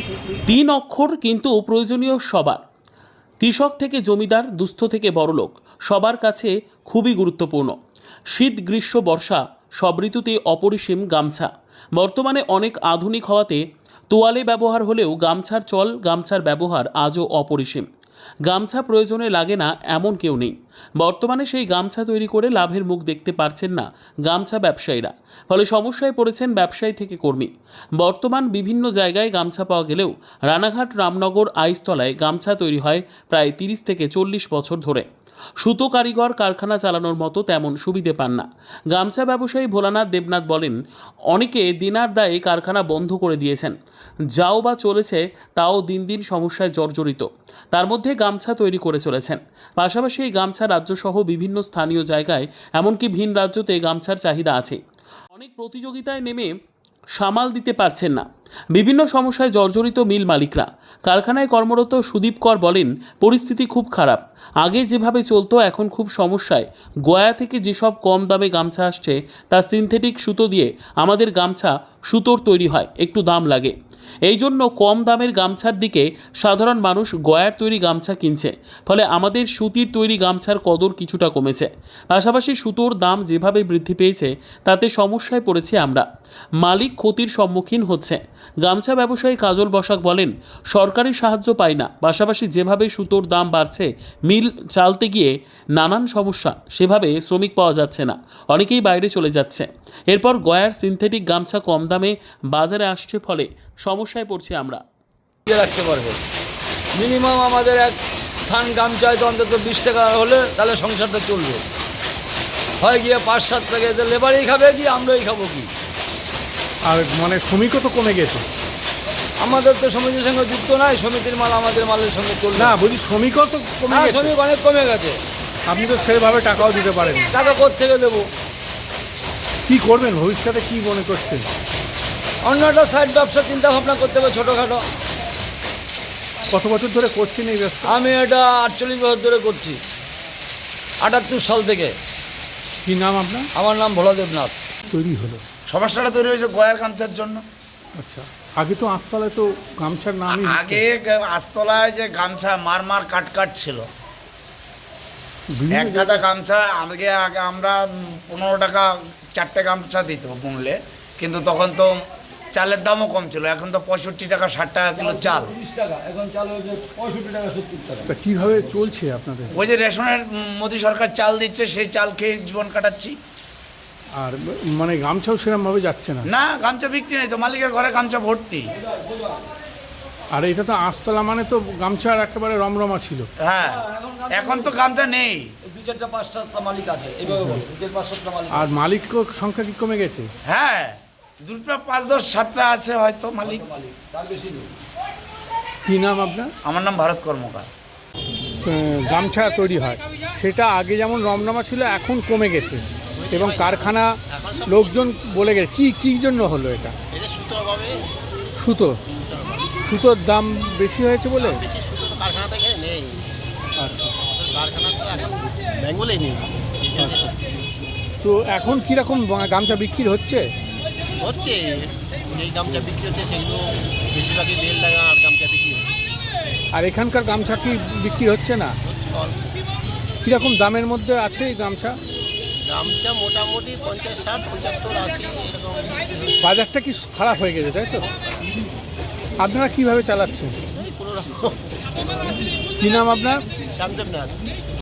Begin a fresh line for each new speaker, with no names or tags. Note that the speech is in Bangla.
তিন অক্ষর কিন্তু প্রয়োজনীয় সবার। কৃষক থেকে জমিদার, দুস্থ থেকে বড়লোক, সবার কাছে খুবই গুরুত্বপূর্ণ। শীত, গ্রীষ্ম, বর্ষা সব ঋতুতে অপরিসীম গামছা। বর্তমানে অনেক আধুনিক হওয়াতে তোয়ালে ব্যবহার হলেও গামছার চল, গামছার ব্যবহার আজও অপরিসীম। গামছা প্রয়োজনে লাগে না এমন কেউ নেই। বর্তমানে সেই গামছা তৈরি করে লাভের মুখ দেখতে পারছেন না গামছা ব্যবসায়ীরা। ফলে সমস্যায় পড়েছেন ব্যবসায়ী থেকে কর্মী। বর্তমান বিভিন্ন জায়গায় গামছা পাওয়া গেলেও রানাঘাট, রামনগর, আইসতলায় গামছা তৈরি হয় প্রায় 30 থেকে 40 বছর ধরে। সুতো কারিগর কারখানা চালানোর মতো তেমন সুবিধে পান না। গামছা ব্যবসায়ী ভোলানাথ দেবনাথ বলেন, অনেকে দিনার দায়ে কারখানা বন্ধ করে দিয়েছেন। যাও বা চলেছে, তাও দিন দিন সমস্যায় জর্জরিত। তার মধ্যে গামছা তৈরি করে চলেছেন। পাশাপাশি এই গামছা রাজ্যসহ বিভিন্ন স্থানীয় জায়গায়, এমনকি ভিন রাজ্যতে গামছার চাহিদা আছে। অনেক প্রতিযোগিতায় নেমে সামাল দিতে পারছেন না। বিভিন্ন সমস্যায় জর্জরিত মিল মালিকরা। কারখানায় কর্মরত সুদীপ কর বলেন, পরিস্থিতি খুব খারাপ। আগে যেভাবে চলতো এখন খুব সমস্যায়। গয়া থেকে যেসব কম দামে গামছা আসছে তা সিনথেটিক সুতো দিয়ে আমাদের গামছা সুতোর তৈরি হয়, একটু দাম লাগে। এই জন্য কম দামের গামছার দিকে সাধারণ মানুষ গয়ার তৈরি গামছা কিনছে। ফলে আমাদের সুতির তৈরি গামছার কদর কিছুটা কমেছে। পাশাপাশি সুতোর দাম যেভাবে বৃদ্ধি পেয়েছে তাতে সমস্যায় পড়েছি আমরা। মালিক ক্ষতির সম্মুখীন হচ্ছে। গামছা ব্যবসায়ী কাজল বসাক বলেন, সরকারি সাহায্য পাই না। পাশাপাশি যেভাবে সুতোর দাম বাড়ছে, মিল চালতে গিয়ে নানান সমস্যা। সেভাবে শ্রমিক পাওয়া যাচ্ছে না, অনেকেই বাইরে চলে যাচ্ছে। এরপর গয়ার সিনথেটিক গামছা কম দামে বাজারে আসছে, ফলে সমস্যায় পড়ছি আমরা।
রাখতে পারবে মিনিমাম আমাদের এক থান গামছায় তো অন্তত 20 টাকা হলে তাহলে সংসারটা চলবে। হয় গিয়ে 5-7 টাকা তো লেবারই খাবে কি আমরাই খাবো কি?
আর মানে শ্রমিকও তো কমে গেছে।
আমাদের তো সমিতির সঙ্গে যুক্ত নাই, সমিতির মাল আমাদের মালের সঙ্গে চলবে
না, বলছি শ্রমিকও তো কমে গেছে।
শ্রমিক অনেক কমে গেছে।
আপনি তো সেভাবে টাকাও দিতে পারেন।
টাকা কোত্থেকে দেবো?
কি করবেন ভবিষ্যতে, কি মনে করছেন?
অন্য একটা সাইড ব্যবসা চিন্তা ভাবনা করতে হবে, ছোটোখাটো।
কত বছর ধরে করছেন এই ব্যবসা?
আমি এটা 48 বছর ধরে করছি, 78 সাল থেকে।
কি নাম আপনার?
আমার নাম ভোলা দেবনাথ।
তৈরি হলো
সমস্যাটা তৈরি হয়েছে গয়ার গামছার জন্য।
আচ্ছা, আগে তো আস্তালায় তো গামছার নামই
আগে আস্তলায় যে গামছা মার কাট ছিল, এক গাদা গামছা আগে আমরা 15 টাকা 4টে গামছা দিত বুনলে, কিন্তু তখন তো চালের দামও কম ছিল। এখন তো 65 টাকা 60 টাকা কিলো চাল।
30 টাকা এখন চাল হয়েছে 65 টাকা 70 টাকা।
তা কীভাবে চলছে আপনাদের?
ওই যে রেশনের মোদি সরকার চাল দিচ্ছে, সেই চাল খেয়ে জীবন কাটাচ্ছি।
আর মানে গামছাও সেরকমভাবে যাচ্ছে না।
না, গামছা বিক্রি নেই তো, মালিকের ঘরে গামছা ভর্তি।
আর এটা তো আস্তলা মানে তো গামছার একেবারে রমরমা ছিল।
হ্যাঁ, এখন তো গামছা নেই।
2-4টা 5টা মালিক আছে, এইভাবে বলো 2-5টা মালিক।
আর মালিক সংখ্যা কি কমে গেছে?
হ্যাঁ, 2টা 5-10-7টা আছে হয়তো মালিক।
তার বেশি নেই।
কি নাম আপনার?
আমার নাম ভারত কর্মকার।
গামছা তৈরি হয়, সেটা আগে যেমন রমরমা ছিল এখন কমে গেছে এবং কারখানা লোকজন বলে গেছে। কী জন্য হলো এটা? সুতোর দাম বেশি হয়েছে বলে?
কারখানা তো এখানে নেই।
আচ্ছা,
কারখানা তো এখন বেঙ্গলেই নেই।
আচ্ছা। তো এখন কীরকম গামছা বিক্রি হচ্ছে?
হচ্ছে এই গামছা বিক্রি হচ্ছে সেগুলো বেশিরভাগই বেল লাগা আর গামছা বিক্রি হচ্ছে।
আর এখানকার গামছা কি বিক্রি হচ্ছে না? কীরকম দামের মধ্যে আছে এই গামছা?
গামছা মোটামুটি 50, 60, 75, 80 এরকম।
বাজারটা কি খারাপ হয়ে গেছে, তাই তো? আপনারা কীভাবে চালাচ্ছেন?
কোনো রকম।
কী নাম আপনার?
শান্তদেবনাথ।